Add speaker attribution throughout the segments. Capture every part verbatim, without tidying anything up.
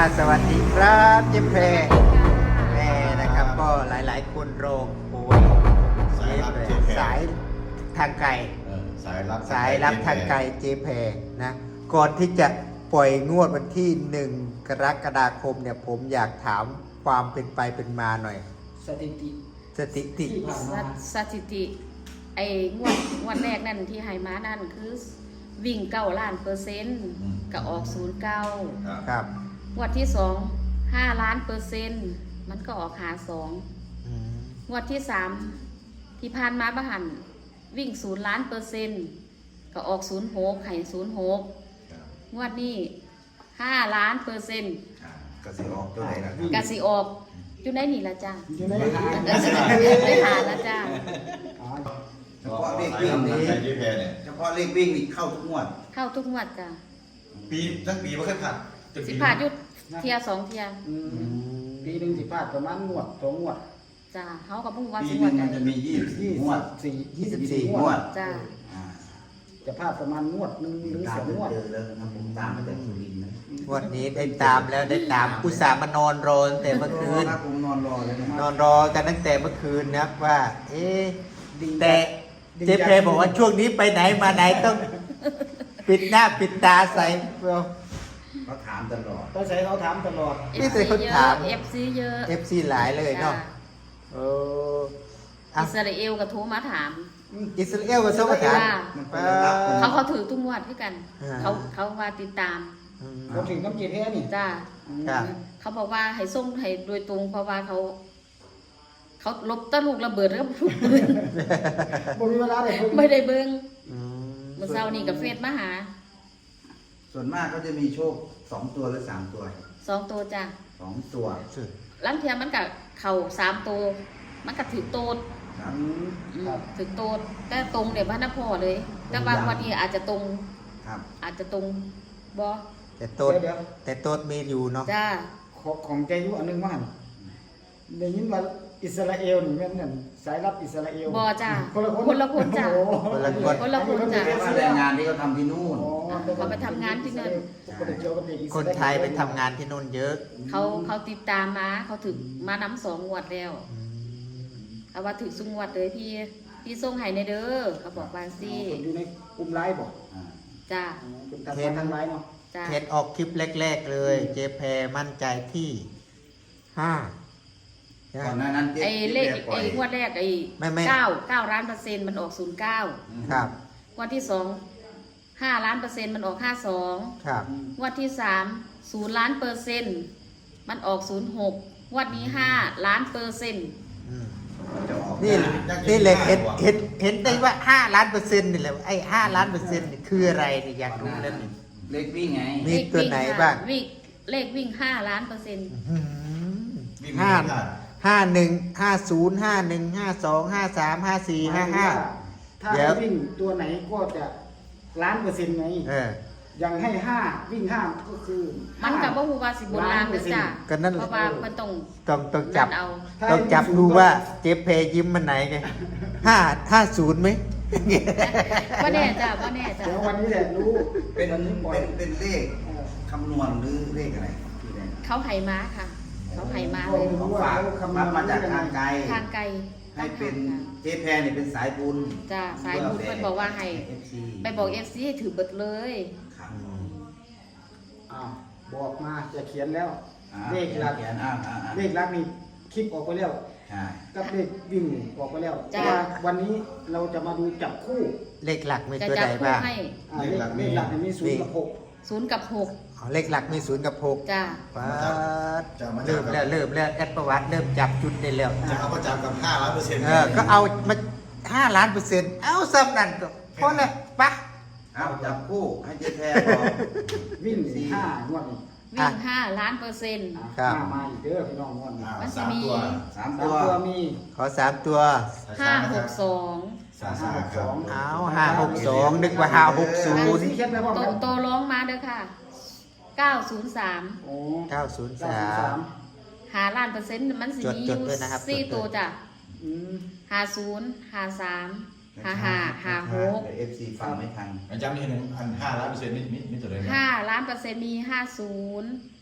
Speaker 1: สวัสดีครับเจ๊แพรแม่นะครับก็หลายๆคนรอโอยเจ๊แพรสายทางไกล
Speaker 2: สายรับ
Speaker 1: สายรับทางไกลเจ๊แพรนะก่อนที่จะปล่อยงวดวันที่หนึ่งกรกฎาคมเนี่ยผมอยากถามความเป็นไปเป็นมาหน่อย
Speaker 3: สถิติ
Speaker 1: สถิติ
Speaker 4: สถิติไอ้งวดงวดแรกนั่นที่ให้มานั่นคือวิ่งเก้าล้านเปอร์เซ็นต์ก็ออกศูนย์เก้า
Speaker 1: ครับ
Speaker 4: งวดที่สองห้าล้านเปอร์เซ็นต์มันก็ออกหาสองงวดที่สามที่ผ่านมาบ้หันวิ่งศูนย์ล้านเปอร์เซ็นต์ก็ออกศูนย์หกไข่ศูนย์หกงวดนี้ห้าล้านเปอร์เซ็นต์
Speaker 2: กสิออกตัวไหนนะ
Speaker 4: กสิออกอยู่ในนี่ละจ้า
Speaker 3: อยู่ในหา
Speaker 4: ได้หาละจ้า
Speaker 2: เฉพาะเลขวิ่งนี้เฉพาะเลขวิ่งนี่เข้าทุกงวด
Speaker 4: เข้าทุกงวดจ้า
Speaker 2: ปีทั้งปีไม่เคยผ่าน
Speaker 4: สิผ่ายุดเทียสองเทีย
Speaker 3: ปีหนึ่งสิพลาดประมาณงวดสองงวด
Speaker 4: จ้าเขากับพุ่งว่า
Speaker 2: ปี
Speaker 4: สิ
Speaker 2: ห
Speaker 4: งว
Speaker 2: นึ่
Speaker 4: ด
Speaker 2: งมันจะมียี่สิบสี่งวด
Speaker 3: สี่
Speaker 1: ยี่สิบสี่
Speaker 2: งวด
Speaker 4: จ้า
Speaker 3: จะพลาดประมาณงวดหนึ่งหรือสองงวด
Speaker 2: เจอแล้วนะผมตามมาจากสุรินทร์นะ
Speaker 1: งวดนี้ได้ตามแล้วได้ตามอุตส่าห์มานอนรอตั้งแต่เมื่อคืน
Speaker 2: ผมนอนรอเลยนะ
Speaker 1: นอนรอกันตั้งแต่เมื่อคืนนะครับว่า เอ๊ะแต่เจ๊เพรบอกว่าช่วงนี้ไปไหนมาไหนต้องปิดหน้าปิดตาใส่เปล่า
Speaker 2: เขาถามตลอด
Speaker 3: ต้องใช้เขาถามตลอด
Speaker 1: นี่แต่คนถาม
Speaker 4: เอฟซีเยอะ
Speaker 1: เอฟซีหลายเลยเนาะโอ้อ่ะ
Speaker 4: อิสราเอลกับโทรมาถาม
Speaker 1: อิสราเอลกับโซมาถาม
Speaker 2: มันเป็นระดับ
Speaker 4: เขาเขาถือตุ้งวดด้วยกัน
Speaker 1: อ่า
Speaker 4: เขาเขาว่าติดตาม
Speaker 1: อืม
Speaker 3: เขาถึงน้ำเกลือแท้นี่
Speaker 4: จ้า
Speaker 1: ครับ
Speaker 4: เขาบอกว่าให้ส่งให้โดยตรงเพราะว่าเขาเขาลบตะลูกระเบิดแล้วก็ถูกปืน
Speaker 3: บ่มีเวลาเลย
Speaker 4: ไม่ได้เบิ้ง
Speaker 1: อืม
Speaker 4: เมื่อเช้านี่กับเฟซมาหา
Speaker 2: ส่วนมากก็จะมีโชคสองตัวหรือสามตัว
Speaker 4: สองตัวจ้า
Speaker 2: สองตัว
Speaker 1: สุด
Speaker 4: ลังเทียมันกับเข่าสามตัวมันกับถือโตด
Speaker 2: ครับ
Speaker 3: อืม
Speaker 4: อืม
Speaker 3: ครับ
Speaker 4: ถือโตดแต่ตรงเดี๋ยวบ้านนพ่อเลย แต่บางวันนี้อาจจะตรง
Speaker 2: ครับ
Speaker 4: อาจจะตรงบอ
Speaker 1: แต่โต๊ด
Speaker 3: เดี๋ยว
Speaker 1: แต่โต๊ดมีอยู่เนาะ
Speaker 4: จ้า
Speaker 3: ของของใจยุอันหนึงว่าหั่นได้ยินว่าอิสราเอลนี่แม่นนั่นสายรับอิสราเอล
Speaker 4: บอจ้า
Speaker 3: คนละคน
Speaker 4: คนละคนจ้า
Speaker 3: โอ้โห
Speaker 1: คนละคน
Speaker 4: คนละคนจ้ะ
Speaker 2: แต่ว่าแรงงานที่เขาทำที่นู่น
Speaker 3: อ๋อ
Speaker 4: เขาไปทำงานที่นั่น
Speaker 3: คนเกี่ยวกับเด็กอิสราเอล
Speaker 1: คนไทยไปทำงานที่นู่นเยอะ
Speaker 4: เขาเขาติดตามมาเขาถึงมานำสองงวดแล้ว
Speaker 1: อืม
Speaker 4: เขาว่าถึงสุงวดเลยพี่พี่ส่งให้ในเด้อเขาบอกว่าสิ
Speaker 3: คนอยู่ในกลุ่มไลน์บอก
Speaker 2: อ่า
Speaker 4: จ้า
Speaker 3: เป็นทางทางไลน์เนาะ
Speaker 4: จ้า
Speaker 1: เทสออกคลิปแรก ๆ เลย เจแพรมั่นใจที่ห้า
Speaker 2: ก่อนหน้านั้น
Speaker 4: ไอ้เลข
Speaker 2: ปล่
Speaker 4: ไอ้
Speaker 2: อย
Speaker 4: งวดแรกไอ้
Speaker 1: ไม่ไม่
Speaker 4: เก้าเก้าล้านเปอร์เซ็นต์มันออกศูนย์เก้า
Speaker 1: ครับ
Speaker 4: งวดที่สองห้าล้านเปอร์เซ็นต์มันออกห้าสอง
Speaker 1: ครับ
Speaker 4: งวดที่สามศูนย์ล้านเปอร์เซ็นต์มันออกศูนย์หกงวดนี้ห้าล้านเปอร์เซ็นต์
Speaker 1: อืม
Speaker 2: จะออก
Speaker 1: นี่นี่เลยเห็นเห็นเห็นได้ว่าห้าล้านเปอร์เซ็นต์นี่แหละไอ้ห้าล้านเปอร์เซ็นต์นี่คืออะไรนี่อยากรู้แล้วนี่
Speaker 2: เลขวิ่งไง
Speaker 1: มีตัวไหนบ้าง
Speaker 4: วิ่งเลขวิ่งห้าล้านเปอร์เซ็นต์
Speaker 1: อื้อหือห้าห้าหนึ่งห้าศูนย์ห้าหนึ่งห้าสองห้าสามห้าสี่ห้าห้า
Speaker 3: ถ้า
Speaker 1: เดี๋ยว
Speaker 3: วิ่งตัวไหนก็จะล้านเปอร์เซ็นต์ไง
Speaker 1: เออ
Speaker 3: ยังให้ห้าวิ่งห้าก็คือ
Speaker 4: มันกับว่าฮูวาสิบนลางเลยจ้ะ
Speaker 1: ก็นั่นแห
Speaker 4: เพ
Speaker 1: ละ
Speaker 4: ราะว่ามันต้อง
Speaker 1: ต้องต้องจับ
Speaker 4: นั่นเอา
Speaker 1: ต้องจับดูว่าเจเพยิ้มมันไหนไงห้าห้าศูนย์ไหม
Speaker 4: ว่าแน่จ้ะว่าแน่จ้ะ
Speaker 3: เดี๋ยววันนี้แหละรู้
Speaker 2: เป็น
Speaker 3: วันนี้ปล่อย
Speaker 2: เป็นเป็นเลข
Speaker 3: เออ
Speaker 2: คำนวณหรือเลขอะไรที่ไหน
Speaker 4: เขาไห่ม้าค่ะ เขาไห่ม้า
Speaker 3: โอ้
Speaker 4: เลย
Speaker 3: โห
Speaker 2: ของฝากรับมาจากทางไกล
Speaker 4: ทางไกล
Speaker 2: ให้เป็นเจแพรเนี่ยเป็นสายบุญ
Speaker 4: จ้ะสายบุญเพิ่นบอกว่าให้
Speaker 2: เอฟซี
Speaker 4: ไปบอกเอฟซีให้ถือเบิดเลย
Speaker 2: ครับ
Speaker 3: อ้าวบอกมาจะเขียนแล้ว
Speaker 2: อ่า
Speaker 3: เลขหลัก
Speaker 2: เขียนอ่าอ่าอ่า
Speaker 3: เลขหลักนี่คลิปออกไปแล้ว
Speaker 2: ใช่
Speaker 3: กับเลขวิ่งออกไปแล้วแต่ว่าวันนี้เราจะมาดูจับคู่
Speaker 1: เลขหลักมี
Speaker 4: จะ
Speaker 1: ตัว
Speaker 4: จับ
Speaker 1: ใด
Speaker 4: คู่
Speaker 1: บ้าง
Speaker 4: ให้
Speaker 3: อ่าเลขเลขหลักเนี่ยมีศูนย์กับหก
Speaker 4: ศูนย์กับหก
Speaker 1: อ๋อเลขหลักมีศูนย์กับหก
Speaker 4: จ้ะ
Speaker 1: ป๊าดเริ่มแล้วเริ่มแล้วแอดประวัติเริ่มจับจุดได้แล้ว
Speaker 5: จะเอาประจำกับห้าล้านเปอร์เซ็นต์
Speaker 1: เออก็เอามาห้าล้านเปอร์เซ็นต์เอาซ้ำนั่นก็พอแล้วปะ
Speaker 2: เอาจับคู่ให้เจแพรบอก
Speaker 3: วิ่งห้างวดนี้
Speaker 4: วิ่งห้าล้านเปอร์เซ็นต์
Speaker 3: อ่ะ
Speaker 1: ครับ
Speaker 3: ห้ามาอีกเด้อพี่น้องงวดนี้
Speaker 5: อ่า
Speaker 4: มันจะ
Speaker 5: สาม
Speaker 4: มี
Speaker 5: ตัว
Speaker 2: สาม
Speaker 3: สาม
Speaker 2: ตัว
Speaker 3: ตัวมี
Speaker 1: ขอสามตัว
Speaker 4: ห้าหกสอง
Speaker 5: สามสามครับ
Speaker 1: เอาห้าหกสองนึกว่าห้าหกศูนย์
Speaker 3: สีเขียนไปพร้อม
Speaker 4: โต
Speaker 3: กัน
Speaker 4: โตร้องมาเด้อค่ะเก้าศูนย์สาม
Speaker 3: โอ้
Speaker 1: เก้าศูนย์สาม
Speaker 4: หาล้านเปอร์เซ็นต์มันสิมีอ
Speaker 1: จด
Speaker 4: ยู่
Speaker 1: ๆด้วยนะครับ
Speaker 4: สี่
Speaker 1: จดๆ
Speaker 4: ตัวจ้ะ
Speaker 3: อืม
Speaker 4: หาศูนย์หาสามหาหาหาหก
Speaker 2: เอฟซีฟังไม่ทัน
Speaker 5: อาจารย์นี่เห็นหนึ่งพันห้าล้านเปอร์เซ็นต์นี่นี่นี่ตัวเลยนะ
Speaker 4: ห้าล้านเปอร์เซ็นต์มีห้าศูนย์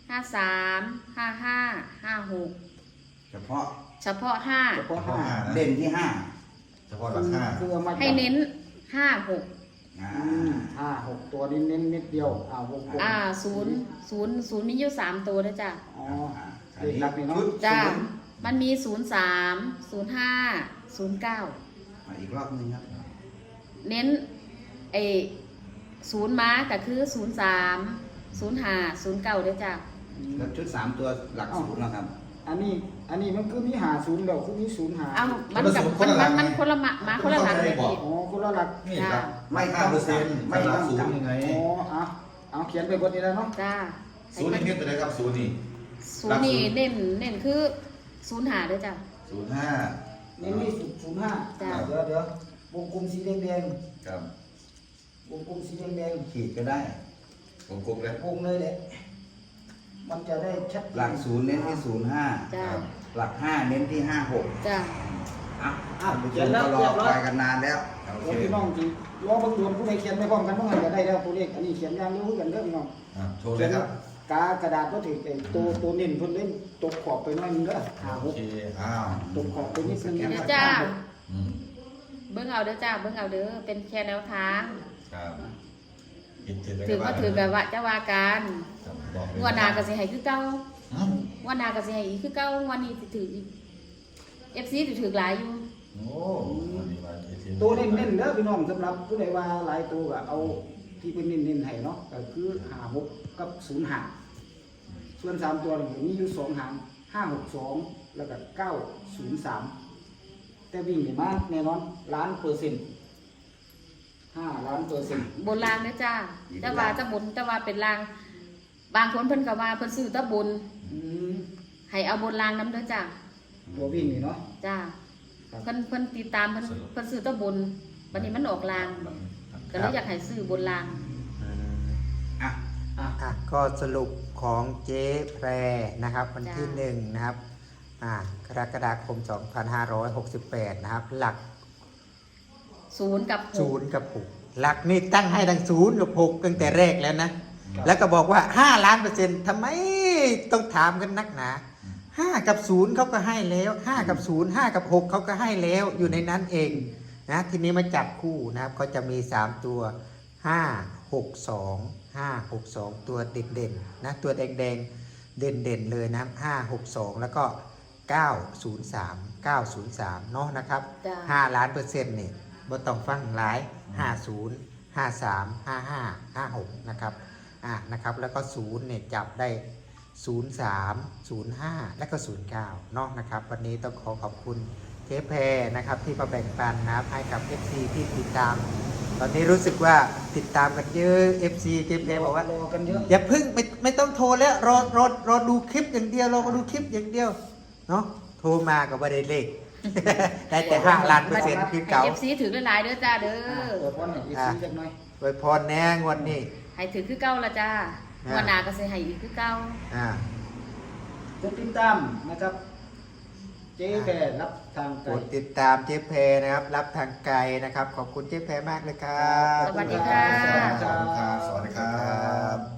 Speaker 4: ห้าสามห้าห้าห้าหก
Speaker 2: เฉพาะ
Speaker 4: เฉพาะห้า
Speaker 3: เฉพาะห้า
Speaker 2: เด่นที่ห้าเฉพาะราคา
Speaker 3: คือเอามาจับ
Speaker 4: ให้เน้นห้าหก
Speaker 2: อ่า
Speaker 3: อืมห้าหกตัวนี้เน้นนิดเดียวอ่าวงกลม
Speaker 4: อ่าศูนย์ศูนย์ศูนย์มีอยู่สามตัวนะจ๊ะ
Speaker 3: อ๋อ
Speaker 2: อัน
Speaker 3: เลข
Speaker 2: นี้
Speaker 3: หลักนี่เนาะ
Speaker 2: ชุด
Speaker 4: จ้า
Speaker 2: ศูนย์
Speaker 4: มันมีศูนย์สามศูนย์ห้าศูนย์เก้า
Speaker 2: อ่ะอีกรอบหนึงครับ
Speaker 4: เน้นไอศูนย์ม้าก็คือศูนย์สามศูนย์ห้าศูนย์เก้าด้วยจ้ะ
Speaker 2: แล้วชุดสามตัวหลักศูนย์นะครับ
Speaker 3: อันนี้อันนี้มันคือมีหาศูนย์เดียวคือมีศูนย์หา
Speaker 4: เอามันกับมันมันมันคนละหมามาคนละหลังเลยพี่
Speaker 3: อ๋อคนละหลัก
Speaker 5: นี่
Speaker 4: จ้า
Speaker 5: ครับ
Speaker 2: ไม่
Speaker 5: ไม่
Speaker 2: ต้
Speaker 5: ห้า
Speaker 2: อง
Speaker 5: เปอร์เซ็นต์
Speaker 2: ไม่
Speaker 5: ไม่
Speaker 2: ต้
Speaker 5: รั
Speaker 2: อบ ง
Speaker 5: ศูนย์ยังไง
Speaker 3: อ๋อเอาเอาเขียนไปบนนี้แล้วเนาะ
Speaker 4: จ้า
Speaker 5: ศูนย์นี่เน้นตัวไหนครับศูนย์นี่
Speaker 4: ศูนย์นี่เน้นเน้นคือศูนย์หาด้วยจ้ะ
Speaker 5: ศูนย์ห้า
Speaker 3: นี่มีศูนย์ห้า
Speaker 4: จ้ะ
Speaker 3: เดี๋ยวเดี๋ยววงกลมสีแดงแดง
Speaker 5: ครับ
Speaker 3: ๆวงกลมสีแดงแดง
Speaker 2: ขีดก็ได้
Speaker 5: วงกลมเลย
Speaker 3: ๆวงเลยแหละมันจะได้ชัด
Speaker 2: หลักศูนย์เน้นที่ศูนย์ห้า
Speaker 4: จ้า
Speaker 2: หลักห้าเน้นที่ห้าหก
Speaker 4: จ้า
Speaker 2: อ่ะ
Speaker 3: อ่ะ
Speaker 2: ท่านผู้ช
Speaker 3: เขียน
Speaker 2: ม
Speaker 3: แล้ว
Speaker 2: ก็ร
Speaker 3: เรี
Speaker 2: อย
Speaker 3: บร้อ
Speaker 2: คอย ยกันนานแล้ว
Speaker 5: โอ
Speaker 3: แล้
Speaker 5: เคว
Speaker 3: พี่น้องจริงรอเบางดวนผู้ใดเขียนไปพร้อมกันเมื่อไหร่จะได้แล้วตัวเลขอันนี้เขียนอย่างเร็วกันเด้อพี่น้อง
Speaker 5: อ่ะโชว์เลยครับ
Speaker 3: กากระดาษก็ถือไอ้ตัวตัวเน้นเพิ่นเล่นตกขอบไปหน่อยนึงเด้อหาห
Speaker 5: โอก เคอ้าว
Speaker 3: ตกขอบไปนิดนึง
Speaker 4: เดี๋ยว
Speaker 3: นะครับ
Speaker 4: จ้า
Speaker 5: อืม
Speaker 4: เบิ้งเอาเด้อจ้าเบิ้งเอาเด้อเป็นแค่แนวทาง
Speaker 5: ครับผิดๆเลย
Speaker 4: ถือว่าถือกับว่าจะว่ากัน
Speaker 5: ครับบอกเลย
Speaker 4: งวดหน้าก็สิให้คือเก่า
Speaker 5: อืม
Speaker 4: งวดหน้าก็สิให้อีกคือเก่าวันนี้สิถืออีก เอฟ ซี ถือถือหลายอยู่
Speaker 5: โอ้วันนี้มาอีกที
Speaker 3: ตัวเน้นๆเด้อพี่น้องสำหรับผู้ใดว่าหลายตัวก็เอาที่เพิ่นเน้นๆให้เนาะก็คือห้าหกกับศูนย์ห้าส่วนสามตัวนี่มีอยู่สองหางห้าหกสองแล้วก็เก้าศูนย์สามแต่วิ่งนี่มาแน่นอนล้านเปอร์เซ็นต์ห้าล้านเปอร์เซ็นต์
Speaker 4: บนรางเด้อจ้าจะว่าจะบนจะว่าเป็นราง บางคนเพิ่นก็ว่าเพิ่นซื้อแตะบน
Speaker 3: อืม
Speaker 4: ให้เอาบนรางนํเด้อจ้า
Speaker 3: ตัววิ่งนี่เนาะ
Speaker 4: จ้า
Speaker 3: ครับ
Speaker 4: เพิ่นเพิ่นติดตามเพิ่นเพิ่นซื้อแตะบนวันนี้มันออกราง ก็เลยอยากให้ซื้อบนราง
Speaker 1: อืม
Speaker 2: อ่ะ
Speaker 3: อ่ะ
Speaker 1: อ่ะก็สรุปของเจ๊แพรนะครับวันที่หนึ่งนะครับอ่ากรกฎาคม สองพันห้าร้อยหกสิบแปด นะครับ หลัก
Speaker 4: ศูนย์กับห
Speaker 1: ศู
Speaker 4: ก
Speaker 1: นย์กับหกหลักนี่ตั้งให้ทั้งศูนย์กับหกตั้งแต่แรกแล้วนะ แล้วก็บอกว่าห้าล้านเปอร์เซ็นต์ทำไมต้องถามกันนักหนาห้ากับศูนย์เขาก็ให้แล้วห้ากับศูนย์ห้ากับหกเขาก็ให้แล้วอยู่ในนั้นเองนะทีนี้มาจับคู่นะครับก็จะมีสามตัวห้าหกสองห้าหกสองตัวเด่นเด่นๆนะตัวแดงแดงๆเด่นเด่นๆเลยนะห้าหกสองแล้วก็เก้าศูนย์สามเก้าศูนย์สามเนาะนะครับ
Speaker 4: จ้า
Speaker 1: ห้าล้านเปอร์เซ็นต์นี่บ่ต้องฟังหลายห้าศูนย์ห้าสามห้าห้าห้าหกนะครับอ่ะนะครับแล้วก็ศูนย์เนี่ยจับได้ศูนย์สามศูนย์ห้าและก็ศูนย์เก้าเนาะนะครับวันนี้ต้องขอขอบคุณเจ๊แพรนะครับที่มาแบ่งปันนะครับให้กับ เอฟ ซี ที่ติดตาม ตอนนี้รู้สึกว่าติดตามกันเยอะ เอฟ ซี เจ๊แพรบอกว่า
Speaker 3: รอกันเยอะ
Speaker 1: อย่าเพึ่งไม่ไม่ต้องโทรแล้วรอรอรอดูคลิปอย่างเดียวรอดูคลิปอย่างเดียวเนาะโทรมาก็ไม่ได้เลข ได้แต่ห้าล้านเปอร์เซ็นต์คือเก่า
Speaker 4: ให้ เอฟ ซี ถือหลายๆเด้อจ้าเด้
Speaker 3: อ่ะ
Speaker 4: อ
Speaker 3: เปิดบอลหน่อยอีกทีจักหน่อย
Speaker 1: ไว้พรแน่งวดนี้
Speaker 4: ให้ถือคือเก่าละจ้า
Speaker 1: อ่า
Speaker 4: วันหน้าก็สิให้อีกคือเก่า
Speaker 1: อ่า
Speaker 3: กดติดตามนะครับ เจ๊แพรรับทางไก
Speaker 1: ก
Speaker 3: ล
Speaker 1: ดติดตามเจ๊แพรนะครับ รับทางไกลนะครับ ขอบคุณเจ๊แพรมากเลยครับ
Speaker 4: สวัสดีค่ะ
Speaker 5: ขอบคุณครับสวัสดีครับ